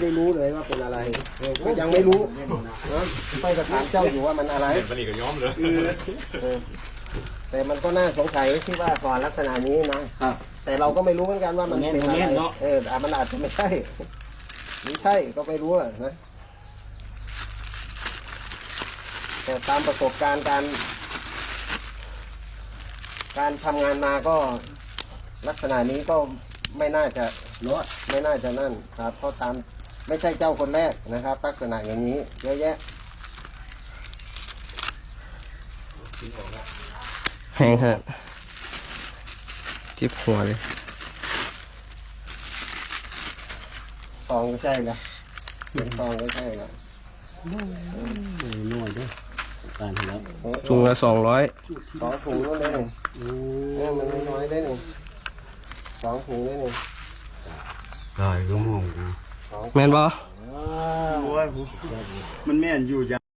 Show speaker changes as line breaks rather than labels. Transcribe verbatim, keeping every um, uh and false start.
ได้รู้เลยว่าเป็นอะไรก็ยังไม่รู้นะไปจะถามเจ้าอยู่ว่ามันอะไรมันนี่ก็ย้อมเลยแต่มันก็น่าสงสัยที่ว่าก่อนลักษณะนี้นะแต่เราก็ไม่รู้เหมือนกันว่ามันเป็นอะไรเออมันอาจจะไม่ใช่ไม่ใช่ก็ไม่รู้นะแต่ตามประสบการณ์การการทำงานมาก็ลักษณะนี้ก็ไม่น่าจะรอดไม่น่าจะนั่นครับเพราะตามไม่ใช่เจ้าคนแรกนะครับลักษณะอย่างนี้เยอะแยะ
แห้งฮะจิบหัวเลย
ซองก็ใช่ละเป็นซองก็ใช่ละ
หน่วยด้วยการแล้ว
ถุงละสองร้อย
สองถุงก็ได้หนึ่งเนี่ยมันไม่น้อยได้หนึ่งสองถุงได้หนึ่ง
ได้ก็มอง
แม่นบ่
มันแม่นอยู่